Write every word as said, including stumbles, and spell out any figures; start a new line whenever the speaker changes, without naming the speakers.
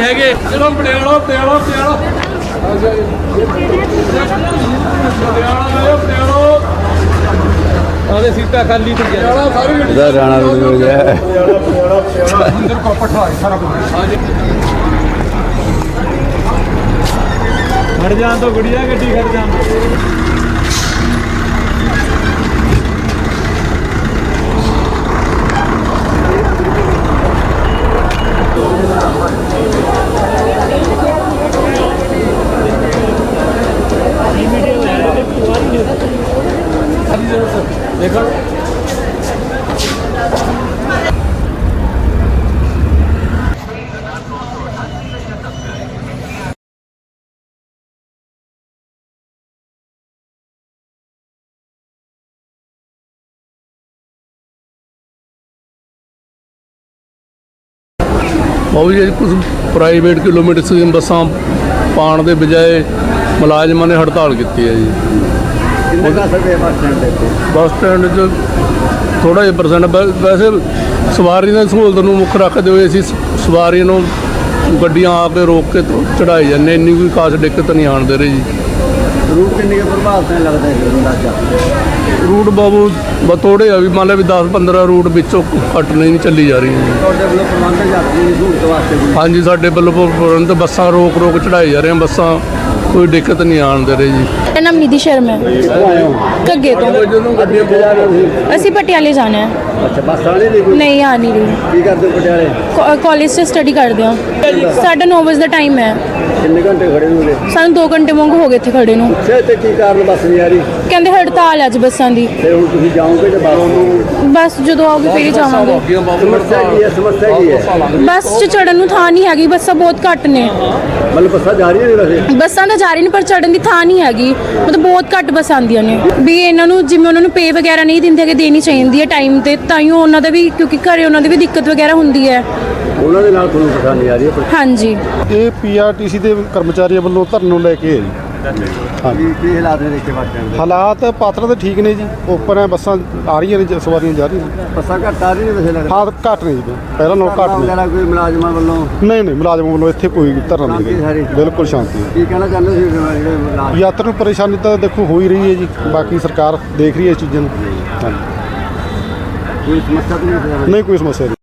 ਹੈਗੇ। ਚਲੋ ਪਟਿਆਲਾ ਪਟਿਆਲਾ ਪਟਿਆਲਾ ਆਦੇ ਸੀਟਾਂ ਖਾਲੀ ਤੇ ਪਟਿਆਲਾ ਸਾਰੀ
ਇਹਦਾ ਰਾਣਾ ਰੋਡ ਹੋ ਗਿਆ
ਪਟਿਆਲਾ ਪਟਿਆਲਾ ਪਟਿਆਲਾ ਅੰਦਰ ਕੋਪਠਾ ਸਾਰਾ ਕੁਝ। ਹਾਂਜੀ ਖੜ ਜਾਣ ਤੋਂ ਗੁੜੀਆ ਗੱਡੀ ਖੜ ਜਾਣ देखो
ਉਹ ਜੀ ਕੁਝ ਪ੍ਰਾਈਵੇਟ ਕਿਲੋਮੀਟਰ ਦੀਆਂ ਬੱਸਾਂ ਪਾਉਣ ਦੇ ਬਜਾਏ ਮੁਲਾਜ਼ਮਾਂ ਨੇ ਹੜਤਾਲ ਕੀਤੀ ਹੈ ਜੀ। ਬੱਸ ਸਟੈਂਡ 'ਚ ਥੋੜ੍ਹਾ ਜਿਹਾ ਪਰਸੈਂਟ ਵੈਸੇ ਸਵਾਰੀ ਦੀ ਸਹੂਲਤ ਨੂੰ ਮੁੱਖ ਰੱਖਦੇ ਹੋਏ ਅਸੀਂ ਸਵਾਰੀ ਨੂੰ ਗੱਡੀਆਂ ਆ ਕੇ ਰੋਕ ਕੇ ਚੜ੍ਹਾਈ ਜਾਂਦੇ, ਇੰਨੀ ਕੋਈ ਖਾਸ ਦਿੱਕਤ ਨਹੀਂ ਆਉਣ ਦੇ ਰਹੀ ਜੀ।
ਰੂਟ ਕਿੰਨੇ ਕੁ ਪ੍ਰਭਾਵਿਤ ਲੱਗਦਾ ਹੈ ਅੰਦਾਜ਼ਾ?
ਰੂਟ ਬਾਬੂ ਬਸ ਥੋੜ੍ਹੇ ਆ ਵੀ ਮੰਨ ਲਿਆ ਵੀ ਦਸ ਪੰਦਰਾਂ ਰੂਟ ਵਿੱਚੋਂ ਘੱਟ ਨਹੀਂ ਚੱਲੀ ਜਾ ਰਹੀ ਜੀ।
ਤੁਹਾਡੇ ਵੱਲੋਂ ਪ੍ਰਬੰਧ ਯਾਤਰੀ ਦੀ ਸਹੂਲਤ ਵਾਸਤੇ ਕੋਈ?
ਹਾਂਜੀ ਸਾਡੇ ਵੱਲੋਂ ਪ੍ਰਬੰਧ ਬੱਸਾਂ ਰੋਕ ਰੋਕ ਚੜ੍ਹਾਈ ਜਾ ਰਹੀਆਂ, ਬੱਸਾਂ ਕੋਈ ਦਿੱਕਤ ਨਹੀਂ ਆਉਣ ਦੇ ਰਹੀ ਜੀ।
ਮੇਰਾ ਨਾਮ ਨਿਧੀ ਸ਼ਰਮਾ ਹੈ, ਘੱਗੇ ਤੋਂ।
ਜਦੋਂ ਗੱਡੀਆਂ
ਅਸੀਂ ਪਟਿਆਲੇ ਜਾਣਾ ਹੈ।
ਅੱਛਾ, ਬੱਸ ਆਣੀ ਨਹੀਂ ਕੋਈ?
ਨਹੀਂ ਆ ਨਹੀਂ ਰਹੀ।
ਕੀ ਕਰਦੇ ਹੋ ਪਟਿਆਲੇ?
ਕਾਲਜ 'ਚ ਸਟੱਡੀ ਕਰਦੇ ਹਾਂ। ਸਾਡਾ ਨੌ ਵਜੇ ਦਾ ਟਾਈਮ ਹੈ।
ਕਿੰਨੇ ਘੰਟੇ ਖੜੇ ਹੋਗੇ?
ਸਾਨੂੰ ਦੋ ਘੰਟੇ ਵਾਂਗੂ ਹੋ ਗਏ ਇੱਥੇ ਖੜੇ ਨੂੰ।
ਅੱਛਾ, ਤੇ ਕੀ ਕਾਰਨ ਬੱਸ ਨਹੀਂ ਆ ਰਹੀ?
ਕਹਿੰਦੇ ਹੜਤਾਲ ਹੈ ਅੱਜ ਬੱਸਾਂ ਦੀ।
ਤੇ ਹੁਣ ਤੁਸੀਂ ਜਾਓਗੇ ਤੇ ਬੱਸ ਨੂੰ?
ਬਸ ਜਦੋਂ ਆਓਗੇ ਫਿਰ ਹੀ ਜਾਵਾਂਗੇ।
ਸਮੱਸਿਆ ਕੀ ਹੈ? ਸਮੱਸਿਆ ਕੀ ਹੈ?
ਬੱਸ 'ਚ ਚੜਨ ਨੂੰ ਥਾਂ ਨਹੀਂ ਹੈਗੀ, ਬੱਸਾਂ ਬਹੁਤ ਘੱਟ ਨੇ।
ਮਤਲਬ ਬੱਸਾਂ ਜਾ ਰਹੀਆਂ ਨੇ ਵੈਸੇ?
ਬੱਸਾਂ ਤਾਂ ਜਾ ਰਹੀਆਂ ਨੇ ਪਰ ਚੜਨ ਦੀ ਥਾਂ ਨਹੀਂ ਹੈਗੀ, ਮਤਲਬ ਬਹੁਤ ਘੱਟ ਬੱਸਾਂ ਆਉਂਦੀਆਂ ਨੇ। ਵੀ ਇਹਨਾਂ ਨੂੰ ਜਿਵੇਂ ਉਹਨਾਂ ਨੂੰ ਪੇ ਵਗੈਰਾ ਨਹੀਂ ਦਿੰਦੇ ਕਿ ਦੇਣੀ ਚਾਹੀਦੀ ਹੈ ਟਾਈਮ ਤੇ, ਤਾਂ ਹੀ ਉਹਨਾਂ ਦਾ ਵੀ, ਕਿਉਂਕਿ ਘਰੇ ਉਹਨਾਂ ਦੀ ਵੀ ਦਿੱਕਤ ਵਗੈਰਾ ਹੁੰਦੀ ਹੈ।
ਉਹਨਾਂ ਦੇ ਨਾਲ ਤੁਹਾਨੂੰ ਪਰੇਸ਼ਾਨੀ ਆ ਰਹੀ ਹੈ?
ਹਾਂਜੀ,
ਇਹ ਪੀਆਰਟੀਸੀ ਦੇ ਕਰਮਚਾਰੀਆਂ ਵੱਲੋਂ ਧਰਨੇ ਨੂੰ ਲੈ ਕੇ ਹੈ ਜੀ।
ਹਾਂਜੀ, ਕੀ ਹਾਲਾਤ ਨੇ ਦੇਖੇ ਬੱਸ ਸਟੈਂਡ ਦੇ?
ਹਾਲਾਤ ਪਾਤਰ ਤਾਂ ਠੀਕ ਨੇ ਜੀ, ਓਪਨ ਹੈ, ਬੱਸਾਂ ਆ ਰਹੀਆਂ ਨੇ, ਸਵਾਰੀਆਂ ਜਾ ਰਹੀਆਂ ਨੇ।
ਬੱਸਾਂ ਘੱਟ ਆ ਰਹੀਆਂ ਨੇ ਵੈਸੇ ਲੱਗਦਾ?
ਹਾਂ ਘੱਟ ਨੇ ਜੀ, ਪਹਿਲਾਂ ਨਾਲੋਂ ਘੱਟ ਨੇ।
ਵਗੈਰਾ ਕੋਈ ਮੁਲਾਜ਼ਮਾਂ ਵੱਲੋਂ?
ਨਹੀਂ ਨਹੀਂ ਮੁਲਾਜ਼ਮਾਂ ਵੱਲੋਂ ਇੱਥੇ ਕੋਈ ਧਰਨਾ ਨਹੀਂ
ਸ਼ਾਂਤੀ
ਹੈਗਾ, ਬਿਲਕੁਲ ਸ਼ਾਂਤੀ ਹੈ।
ਕੀ ਕਹਿਣਾ ਚਾਹੁੰਦੇ ਸੀ ਜਿਹੜੇ ਮੁਲਾਜ਼ਮ?
ਯਾਤਰੀ ਨੂੰ ਪਰੇਸ਼ਾਨੀ ਤਾਂ ਦੇਖੋ ਹੋ ਹੀ ਰਹੀ ਹੈ ਜੀ, ਬਾਕੀ ਸਰਕਾਰ ਦੇਖ ਰਹੀ ਹੈ ਇਸ ਚੀਜ਼ਾਂ ਨੂੰ। ਹਾਂਜੀ,
ਕੋਈ ਸਮੱਸਿਆ ਤਾਂ ਨਹੀਂ?
ਨਹੀਂ ਕੋਈ ਸਮੱਸਿਆ ਨਹੀਂ।